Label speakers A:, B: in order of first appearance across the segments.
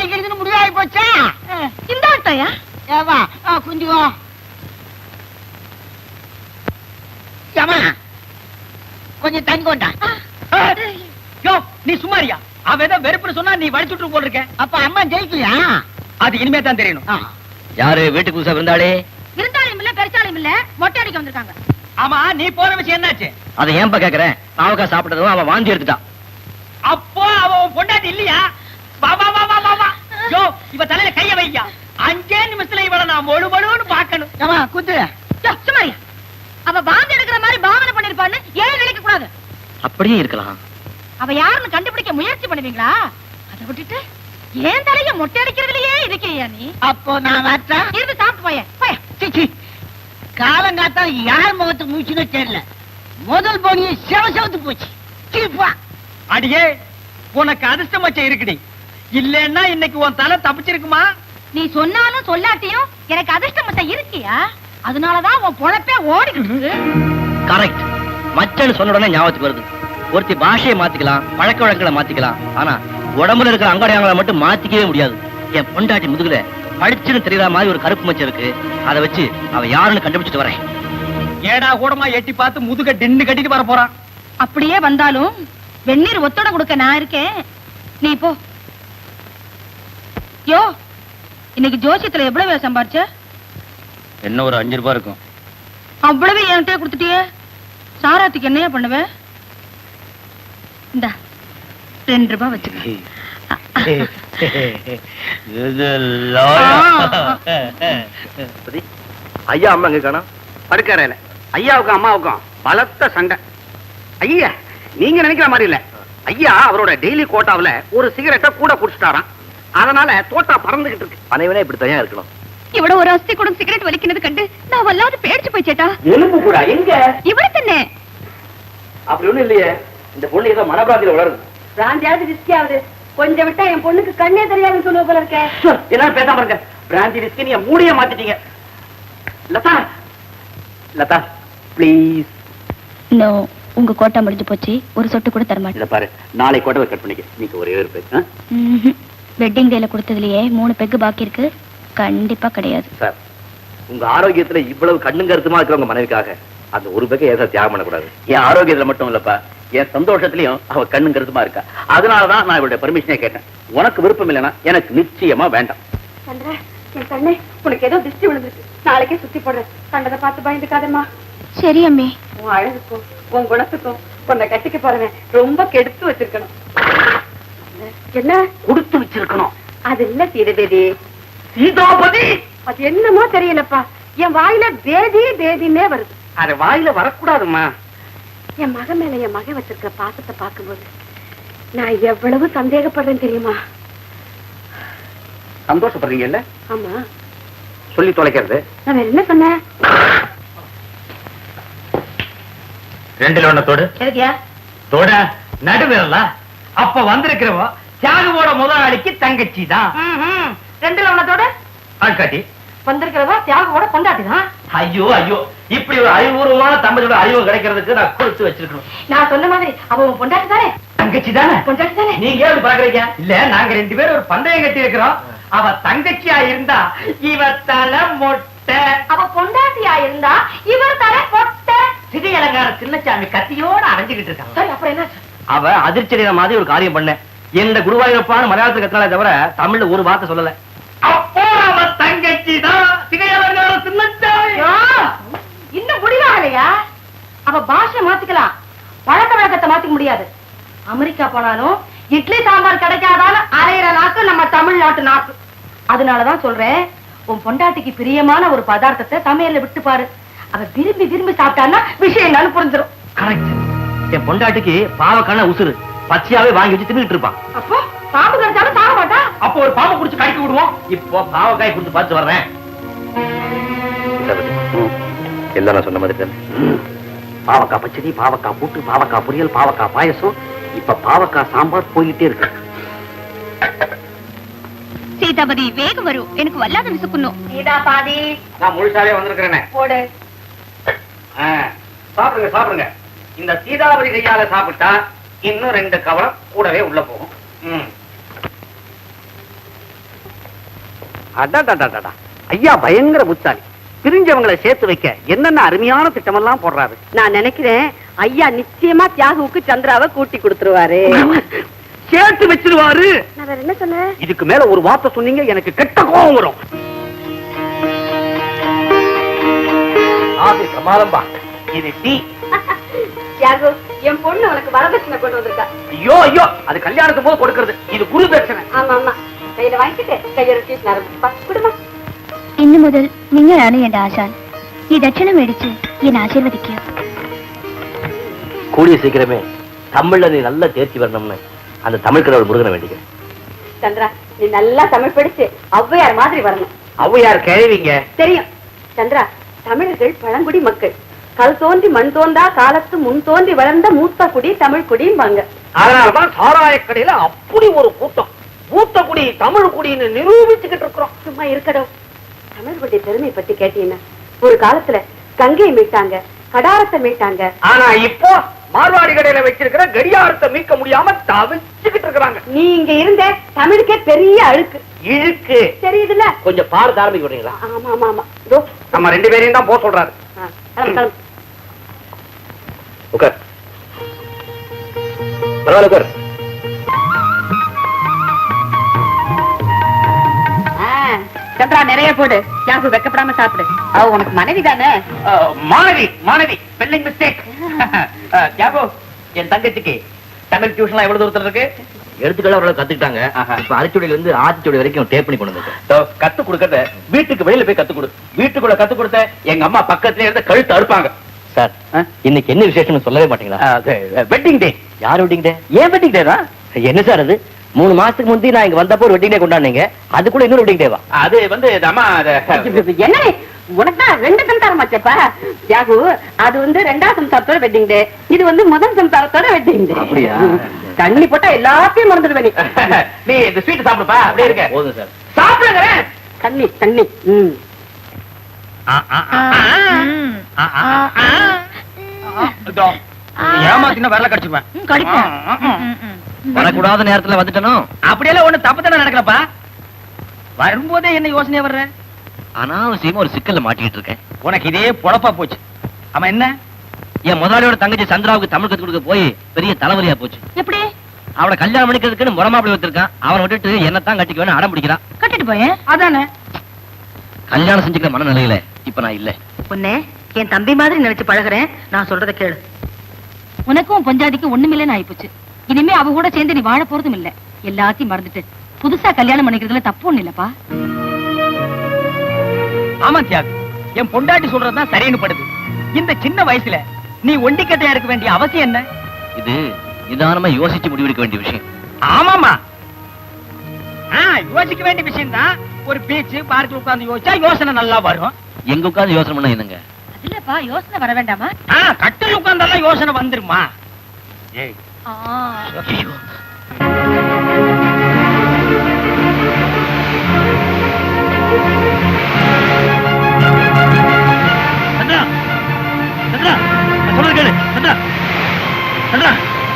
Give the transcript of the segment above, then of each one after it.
A: அடிக்கிறதுன்னு முடிவாகி போச்சா?
B: இந்த ஆட்டையா
A: ஏவா குஞ்சுவா ஏமா கொஞ்சம் தண்ணி கொண்டா.
C: யோ நீ சும்மாரியா? அவன் ஏதோ வெறுப்புன்னு சொன்னா நீ வடிச்சுட்டு போல் இருக்க.
A: அப்ப அம்மா ஜெயிக்கலையா?
C: அது இனிமே தான் தெரியணும்.
D: யாரு வீட்டுக்கு புதுசா இருந்தாலே?
B: இருந்தாலும் இல்ல பெருசாலும் இல்ல, மொட்டை அடிக்க வந்திருக்காங்க.
C: ஆமா நீ போற விஷயம் என்னாச்சு?
D: அதை ஏன்பா கேக்குறேன்? பாவக்காய் சாப்பிட்டதும் அவன் வாந்தி எடுத்துட்டான்.
C: அப்போ அவன் பொண்டாட்டி இல்லையா? வா வா வா வா வா. யோ இவ தலையில கைய வையா. 5 நிமிஷத்துல இவள நான் மொழுமொழுன்னு பாக்கணும்.
A: ஏமா குத்து.
B: சுமாரியா, அவ வாந்தி எடுக்கிற மாதிரி பாவனை பண்ணிருப்பான்னு ஏன் நினைக்க கூடாது?
D: அப்படியே இருக்கலாம்.
B: அவ யாருன்னு கண்டுபிடிக்க முயற்சி பண்ணுவீங்களா? அதை விட்டுட்டு ஏன் தலைய மொட்டை அடிக்கிறதுலயே இருக்கியா நீ?
A: அப்போ நான் வரட்டா?
B: இருந்து சாப்பிட்டு போய.
A: சிச்சி, காலங்காத்தா யார் முகத்துக்கு மூச்சுன்னு தெரியல. முதல் போனியே செவத்து போச்சு. சீப்பா
C: அடியே, உனக்கு அதிர்ஷ்டம் வச்ச இருக்குடி. இல்லன்னா இன்னைக்கு உன் தலை தப்பிச்சிருக்குமா?
B: நீ சொன்னாலும் சொல்லாட்டியும் எனக்கு அதிர்ஷ்டம் மட்டும் இருக்கியா? அதனாலதான் உன் பொழப்பே ஓடிக்கிட்டு இருக்கு.
D: கரெக்ட். மச்சன்னு சொன்ன உடனே ஞாபகத்துக்கு வருது. ஒருத்தி பாஷையை மாத்திக்கலாம், பழக்க வழக்கங்களை மாத்திக்கலாம், ஆனா உடம்புல இருக்கிற அங்கடையாங்களை மட்டும் மாத்திக்கவே முடியாது. என் பொண்டாட்டி முதுகுல பளிச்சுன்னு தெரியற மாதிரி ஒரு கருப்பு மச்சம் இருக்கு. அதை வச்சு அவ யாருன்னு கண்டுபிடிச்சிட்டு வரேன்.
C: ஏடா கூடமா எட்டி பார்த்து முதுக டின்னு கட்டிட்டு வர போறான்.
B: அப்படியே வந்தாலும் வெந்நீர் ஒத்தோட கொடுக்க நான் இருக்கேன். நீ போ. யோ, இன்னைக்கு ஜோசியத்துல எவ்வளவு சம்பாரிச்ச?
D: என்ன ஒரு 5 ரூபாய் இருக்கும்.
B: அவ்வளவு என்கிட்ட கொடுத்துட்டியே. சாராத்துக்கு என்னையா பண்ணுவேன்? இந்த 2 ரூபாய் வச்சுக்க.
D: ஐயா அம்மா எங்க காணோம்?
E: படுக்கறையில ஐயாவுக்கும் அம்மாவுக்கும் பலத்த சண்டை. ஐயா நீங்க நினைக்கிற மாதிரி இல்ல. ஐயா அவரோட டெய்லி கோட்டாவில ஒரு சிகரெட்டை கூட குடிச்சிட்டாராம். அதனால தோட்டா பறந்துகிட்டு இருக்கு.
D: அனைவனே இப்படி தனியா இருக்கணும்.
B: இவ்வளவு ஒரு அஸ்தி கூட சிகரெட் வலிக்கிறது கண்டு நான் வல்லாது பேடிச்சு போயிச்சேட்டா.
E: எலும்பு கூட எங்க
B: இவரு தானே?
D: அப்படி ஒண்ணும் இல்லையே. இந்த பொண்ணு ஏதோ மனப்பிராந்தியில வளருது.
B: பிராந்தியாவது ரிஸ்கி ஆகுது. கொஞ்சம் விட்டா என் பொண்ணுக்கு கண்ணே தெரியாதுன்னு சொல்லுவ போல இருக்க.
E: எல்லாரும் பேசாம இருக்க. பிராந்தி விஸ்கி நீங்க மூடிய மாத்திட்டீங்க. லதா லதா ப்ளீஸ்.
B: நோ, உங்க கோட்டா முடிஞ்சு போச்சு. ஒரு சொட்டு கூட தரமாட்டேன்.
E: இத பாரு, நாளை கோட்டை கட் பண்ணிக்க. நீங்க ஒரே ஒரு பேக்.
B: வெட்டிங் டேல கொடுத்ததுலயே 3 பெக்கு பாக்கி இருக்கு. கண்டிப்பா கிடையாது
D: சார். உங்க ஆரோக்கியத்துல இவ்வளவு கண்ணும் கருத்துமா இருக்கிறவங்க மனைவிக்காக அந்த ஒரு பேக்கை ஏதா தியாகம் பண்ணக்கூடாது. என் ஆரோக்கியத்துல மட்டும் இல்லப்பா, என் சந்தோஷத்திலையும் அவ கண்ணும் கருத்துமா இருக்கா. அதனாலதான் நான் இவருடைய பர்மிஷனே கேட்டேன். உனக்கு விருப்பம் இல்லைன்னா எனக்கு நிச்சயமா வேண்டாம்.
B: என் கண்ணே, உனக்கு ஏதோ திருஷ்டி விழுந்துருக்கு. நாளைக்கே சுத்தி போடுறேன். கண்டதை பார்த்து பயந்துக்காதம்மா. சரி அம்மி. உன் அழகுக்கும் உன் குணத்துக்கும் உன்னை கட்டிக்க போறவன் ரொம்ப கெடுத்து வச்சிருக்கணும். என்ன
E: கொடுத்து வச்சிருக்கணும்?
B: அது இல்ல சீதபேதி.
E: சீதாபதி
B: அது என்னமோ தெரியலப்பா, என் வாயில பேதி பேதின்னே வருது.
E: அது வாயில வரக்கூடாதுமா.
B: என் மகன் மேல என் மகன் வச்சிருக்கிற பாசத்தை பார்க்கும்போது நான் எவ்வளவு சந்தேகப்படுறேன் தெரியுமா?
E: சந்தோஷப்படுறீங்கல்ல?
B: ஆமா.
E: சொல்லி தொலைக்கிறது.
B: நான் வேற என்ன சொன்னேன்?
D: 2 ஒண்ணு தோடு.
B: எதுக்கியா
C: தோட நடுவிரல. அப்ப வந்திருக்கிறவோ தியாகுவோட முதலாளிக்கு தங்கச்சி தான்.
B: 2 லவணத்தோட
C: ஆட்காட்டி
B: வந்திருக்கிறதா தியாகோட கொண்டாட்டி தான்.
C: ஐயோ ஐயோ, இப்படி ஒரு அறிவுபூர்வமான தம்பதியோட அறிவு கிடைக்கிறதுக்கு நான் கொடுத்து வச்சிருக்கணும்.
B: நான் சொன்ன மாதிரி அவ பொண்டாட்டி தானே?
C: தங்கச்சி தானே?
B: பொண்டாட்டி தானே?
C: நீங்க எப்படி பாக்குறீங்க? இல்ல, நாங்க 2 பேரும் ஒரு பந்தயம் கட்டி இருக்கிறோம். அவ தங்கச்சியா இருந்தா இவ தலை மொட்டை.
B: அவ பொண்டாட்டியா இருந்தா இவர் தலை பொட்டை.
C: சிகை அலங்கார சின்னச்சாமி கத்தியோட அரைஞ்சுக்கிட்டு இருக்காங்க.
B: சரி, அப்புறம் என்ன?
D: அவ அதிர்ச்சி மாதிரி ஒரு காரியம் பண்ண. எந்த குருவாயூரப்பான மலையாளத்துக்கு கத்தினாலே தவிர தமிழ்ல ஒரு வார்த்தை சொல்லல.
C: அப்போ அவ தங்கச்சி தான் சிகை அலங்கார சின்னச்சாமி.
B: இன்னும் முடியலையா? அவ பாஷை மாத்திக்கலாம், பழக்க வழக்கத்தை மாத்திக்க முடியாது. அமெரிக்கா போனாலும் இட்லி சாம்பார் கிடைக்காதாலும் அரையிற நாக்கு நம்ம தமிழ்நாட்டு நாக்கு. அதனாலதான் சொல்றேன், உன் பொண்டாட்டிக்கு பிரியமான ஒரு பதார்த்தத்தை சமையல்ல விட்டு பாரு. அவ விரும்பி விரும்பி சாப்பிட்டான்னா விஷயம் என்னன்னு புரிஞ்சிடும்.
D: கரெக்ட். என் பொண்டாட்டிக்கு பாவக்கான உசுறு பச்சையாவே வாங்கி வச்சு தின்னுட்டு இருப்பான்.
B: அப்போ பாம்பு கடிச்சாலும் சாக மாட்டா.
C: அப்போ ஒரு பாம்பு குடிச்சு கடிக்க விடுவோம்.
D: இப்போ பாவக்காய் கொடுத்து பார்த்து வர்றேன். எல்லாம் நான் சொன்ன மாதிரி தானே.
E: பாவக்காய் பச்சடி, பாவக்காய் கூட்டு, பாவக்காய் பொரியல், பாவக்காய் பாயசம், இப்ப பாவக்காய் சாம்பார் போயிட்டே இருக்கு.
B: சீதாபதி வேகம் வரும், எனக்கு வல்லாத விசுக்கணும். சீதா பாதி
E: நான் முழுசாவே வந்திருக்கிறேனே.
B: போடு.
E: சாப்பிடுங்க சாப்பிடுங்க. இந்த சீதாபதி கையால சாப்பிட்டா இன்னும் 2 கவலம் கூடவே உள்ள போகும். அடடடடடா. ஐயா பயங்கர புத்தாளி. பிரிஞ்சவங்களை சேர்த்து வைக்க என்னென்ன அருமையான திட்டமெல்லாம் போடுறாரு.
B: நான் நினைக்கிறேன் ஐயா நிச்சயமா தியாகுவுக்கு சந்திராவை கூட்டி கொடுத்துருவாரு.
E: சேர்த்து வச்சிருவாரு.
B: நான் வேற என்ன சொன்னேன்?
E: இதுக்கு மேல ஒரு வார்த்தை சொன்னீங்க எனக்கு கெட்ட கோபம் வரும். பிரமாதம்பா. இது டீ.
B: தியாகு, என் பொண்ணு உனக்கு வரதட்சணை கொண்டு வந்திருக்கா.
E: ஐயோ ஐயோ, அது கல்யாணத்துக்கு போது கொடுக்கறது. இது குரு தட்சணை.
B: ஆமா ஆமா, கையில வாங்கிட்டு கையெழுத்தி குடும்பம்.
F: ഇന്നു മുതൽ നിങ്ങളാണ് എന്റെ ആശാൻ. ഈ ദക്ഷിണ മേടിച്ച് എന്നെ ആശീർവദിക്കുക.
D: கூடிய சீக்கிரமே தமிழ்ல நீ நல்லா தேர்ச்சி வரணும்னு அந்த தமிழ் கடவுள் முருகனை வேண்டிக்கிறேன்.
B: சந்திரா, நீ நல்லா தமிழ் படிச்சு ஔவையார் மாதிரி வரணும்.
E: ஔவையார் கேள்விங்க
B: தெரியும் சந்திரா. தமிழர்கள் பழங்குடி மக்கள். கல் தோன்றி மண் தோன்றா காலத்து முன் தோன்றி வளர்ந்த மூத்த குடி தமிழ் குடிம்பாங்க.
E: அதனாலதான் சாராய கடையில அப்படி ஒரு கூட்டம். மூத்த குடி தமிழ் குடின்னு நிரூபிச்சுக்கிட்டு இருக்கிறோம்.
B: சும்மா இருக்கடோ. தமிழர்களுடைய பெருமை பத்தி கேட்டீங்கன்னா, ஒரு காலத்துல கங்கையை மீட்டாங்க, கடாரத்தை மீட்டாங்க.
E: ஆனா இப்போ மார்வாடி கடையில வச்சிருக்கிற கடியாரத்தை மீட்க முடியாம தவிச்சுக்கிட்டு இருக்கிறாங்க.
B: நீ இங்க இருந்த தமிழுக்கே பெரிய அழுக்கு
E: இழுக்கு
B: தெரியுதுல்ல.
D: கொஞ்சம் பாரத ஆரம்பிக்க விடுறீங்களா?
B: ஆமா ஆமா ஆமா. இதோ
E: நம்ம 2 பேரையும் தான் போக சொல்றாரு.
B: கிளம்பு கிளம்பு.
D: உட்கார். பரவாயில்ல உட்கார்.
B: சந்திரா, நிறைய போடு. தியாகு வெக்கப்படாம சாப்பிடு. அவ உனக்கு மனைவி தானே?
E: மாணவி மாணவி ஸ்பெல்லிங் மிஸ்டேக். தியாகு, என் தங்கச்சிக்கு தமிழ் டியூஷன்லாம் எவ்வளவு தூரத்துல இருக்கு?
D: எடுத்துக்களை அவரோட கத்துக்கிட்டாங்க. இப்ப அரைச்சுடியில இருந்து ஆத்திச்சுடி வரைக்கும் டேப் பண்ணி கொண்டு வந்து
E: கத்து கொடுக்கறத வீட்டுக்கு வெளியில போய் கத்து கொடு. வீட்டுக்குள்ள கத்து கொடுத்த எங்க அம்மா பக்கத்துல இருந்து கழுத்து அறுப்பாங்க.
D: சார், இன்னைக்கு என்ன விசேஷம்னு சொல்லவே மாட்டீங்களா?
E: Wedding day.
D: யார் வெட்டிங் டே?
E: ஏன் வெட்டிங் டே தான்?
D: என்ன சார் அது? 3 மாசத்துக்கு முந்தி நான் இங்க வந்தப்போ ஒரு வெட்டிங் டே கொண்டாடுனீங்க. அதுக்குள்ள இன்னொரு வெட்டிங் டேவா?
E: அது வந்து அம்மா
B: என்ன உனக்கு தான் 2 சம்சாரம் ஆச்சப்பா தியாகு. அது வந்து 2ஆம் சம்சாரத்தோட வெட்டிங் டே, இது வந்து முதல் சம்சாரத்தோட வெட்டிங் டே.
D: அப்படியா?
B: தண்ணி போட்டா எல்லாத்தையும் மறந்துடுவே நீ.
E: நீ இந்த ஸ்வீட் சாப்பிடுப்பா. அப்படியே இருக்க.
D: போதும் சார்.
E: சாப்பிடுங்க.
B: தண்ணி தண்ணி.
E: ஏமாத்தினா வரல கடிச்சுவேன்.
D: வரக்கூடாத நேரத்துல வந்துட்டனோ.
E: அப்படியெல்லாம் ஒண்ணு தப்பு தானே நடக்கலப்பா. வரும்போதே என்ன யோசனையா வர்ற?
D: அனாவசியமா ஒரு சிக்கல்ல மாட்டிக்கிட்டு இருக்கேன்.
E: உனக்கு இதே பொழப்பா போச்சு. ஆமா, என்ன?
D: என் முதலாளியோட தங்கச்சி சந்திராவுக்கு தமிழ் கத்து கொடுக்க போய் பெரிய தலைவலியா போச்சு.
F: எப்படி?
D: அவளை கல்யாணம் பண்ணிக்கிறதுக்குன்னு முறமாப்பிள்ளை வச்சிருக்கான். அவனை விட்டுட்டு என்னத்தான் கட்டிக்க வேணும் அடம் பிடிக்கிறான்.
F: கட்டிட்டு போயேன்.
B: அதானே
D: கல்யாணம் செஞ்சுக்கிற மனநிலையில இப்ப நான் இல்ல.
B: உன்னை என் தம்பி மாதிரி நினைச்சு பழகுறேன். நான் சொல்றத கேளு.
F: உனக்கும் பொஞ்சாதிக்கு ஒண்ணுமில்லைன்னு ஆயிப்போச்சு. இனிமே அவ கூட சேர்ந்து நீ வாழ போறதும் இல்ல. எல்லாத்தையும் மறந்துட்டு புதுசா கல்யாணம் பண்ணிக்கிறதுல தப்பு ஒண்ணு இல்லப்பா.
C: ஆமா தியாகு, என் பொண்டாட்டி சொல்றதுதான் சரின்னு படுது. இந்த சின்ன வயசுல நீ ஒண்டிக்கட்டையா இருக்க வேண்டிய அவசியம் என்ன?
D: இது நிதானமா யோசிச்சு முடிவெடுக்க வேண்டிய விஷயம்.
C: ஆமாமா, யோசிக்க வேண்டிய விஷயம் தான். ஒரு பீச் பார்க்கில் உட்கார்ந்து யோசிச்சா யோசனை நல்லா வரும்.
D: எங்க உட்கார்ந்து யோசனை பண்ண என்னங்க?
F: இல்லப்பா, யோசனை வர வேண்டாமா?
C: கட்டில் உட்கார்ந்தாலும் யோசனை வந்துருமா? ஏய்,
D: ஐயோ.
C: சந்திரா, சந்திரா, நான் சொல்றது கேளு. சந்திரா, சந்திரா.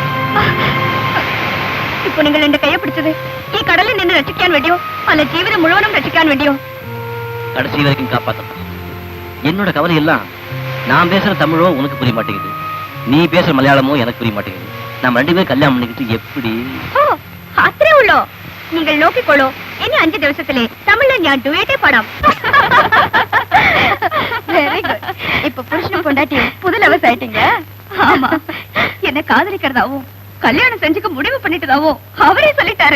F: ഇപ്പൊ നിങ്ങൾ എന്റെ കൈയെ പിടിച്ചത് ഈ കടലിൽ നിന്ന് രക്ഷിക്കാൻ വേണ്ടിയോ അല്ല ജീവിതം മുഴുവനും രക്ഷിക്കാൻ വേണ്ടിയോ?
D: கடைசி வரைக்கும் காப்பாத்தப்பா. என்னோட கவலை எல்லாம் நான் பேசுற தமிழோ உனக்கு புரிய மாட்டேங்குது, நீ பேசுற மலையாளமோ எனக்கு புரிய மாட்டேங்குது. நம்ம 2 பேரும் கல்யாணம் பண்ணிக்கிட்டு எப்படி?
F: ഓ, അത്രേ ഉള്ളോ? നിങ്ങൾ നോക്കിക്കോളൂ, ഇനി 5 ദിവസത്തിലെ തമിഴിൽ ഞാൻ ഡുവേറ്റേ പാടാം. Very good. இப்ப புருஷன் பொண்டாட்டி புது லவர்ஸ் ஆயிட்டீங்க. ஆமா, என்ன காதலிக்கிறதாவும் கல்யாணம் செஞ்சுக்க முடிவு பண்ணிட்டதாவும் அவரே சொல்லிட்டாரு.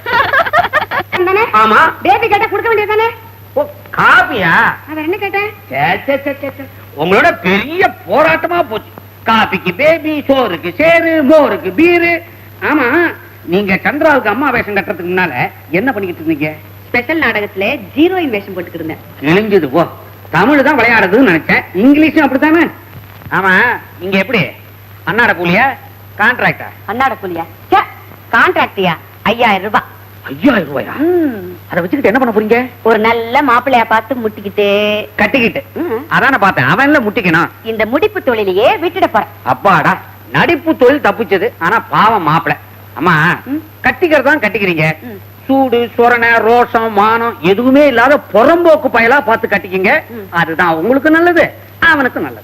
E: ஆமா,
B: பேபி கேட்டா கொடுக்க வேண்டியதானே?
E: ஓ, காபியா?
B: அவன் என்ன கேட்டேன்?
E: உங்களோட பெரிய போராட்டமா போச்சு. காபிக்கு பேபி, சோறுக்கு சேரு, மோருக்கு பீரு. ஆமா, நீங்க சந்திராவுக்கு அம்மா வேஷம் கட்டுறதுக்கு முன்னால என்ன பண்ணிக்கிட்டு இருந்தீங்க?
B: ஸ்பெஷல் நாடகத்துல ஹீரோயின் வேஷம் போட்டுக்கிட்டு இருந்தேன்.
E: கிழிஞ்சது போ. தமிழ் தான் விளையாடுறதுன்னு நினைச்சேன். இங்கிலீஷும் அப்படித்தானே? ஆமா, நீங்க எப்படி அன்னாட கூலியா கான்ட்ராக்டா?
B: அன்னாட கூலியா? கான்ட்ராக்டியா? 5000 ரூபாய்.
E: 5000 ரூபாயா? அதை வச்சுக்கிட்டு என்ன பண்ண போறீங்க?
B: ஒரு நல்ல மாப்பிள்ளையா பார்த்து முட்டிக்கிட்டு
E: கட்டிக்கிட்டு. அதான பார்த்தேன். அவன்ல முட்டிக்கணும்.
B: இந்த முடிப்பு தொழிலையே விட்டுட போறேன்.
E: அப்பாடா, நடிப்பு தொழில் தப்பிச்சது. ஆனா பாவம் மாப்பிள. அம்மா, கட்டிக்கிறதான் கட்டிக்கிறீங்க, சூடு சொரணை ரோஷம் மானம் எதுவுமே இல்லாத புறம்போக்கு பயலா பார்த்து கட்டிக்கிங்க. அதுதான் உங்களுக்கு நல்லது, அவனுக்கு நல்லது.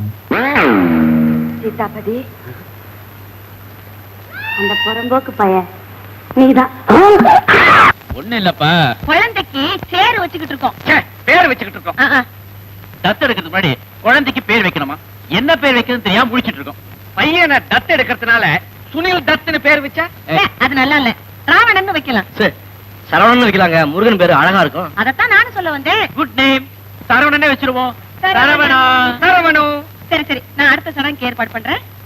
B: சீதாபதி, அந்த புறம்போக்கு பையன் நீதான்.
D: ஒண்ணு இல்லப்பா,
F: குழந்தைக்கு சேரு வச்சுக்கிட்டு இருக்கோம்.
D: பேர் வச்சுக்கிட்டு இருக்கோம். தத்து எடுக்கிறதுக்கு முன்னாடி குழந்தைக்கு பேர் வைக்கணுமா? என்ன பேர் வைக்கிறது தெரியாம முடிச்சிட்டு இருக்கோம்.
E: பையனை தத்து எடுக்கிறதுனால சுனில் தத்துன்னு பேர் வச்சா
F: அது நல்லா இல்ல, ராவணன் வைக்கலாம்.
D: சரி, சரவணன் வைக்கலாங்க, முருகன் பேரு அழகா இருக்கும்.
F: அதத்தான் நானும் சொல்ல வந்தேன்.
D: குட் நேம், சரவணனே வச்சிருவோம்.
F: சரவணா.
E: சரவணு.
F: சரி சரி, நான் அடுத்த சடங்குக்கு ஏற்பாடு பண்றேன்.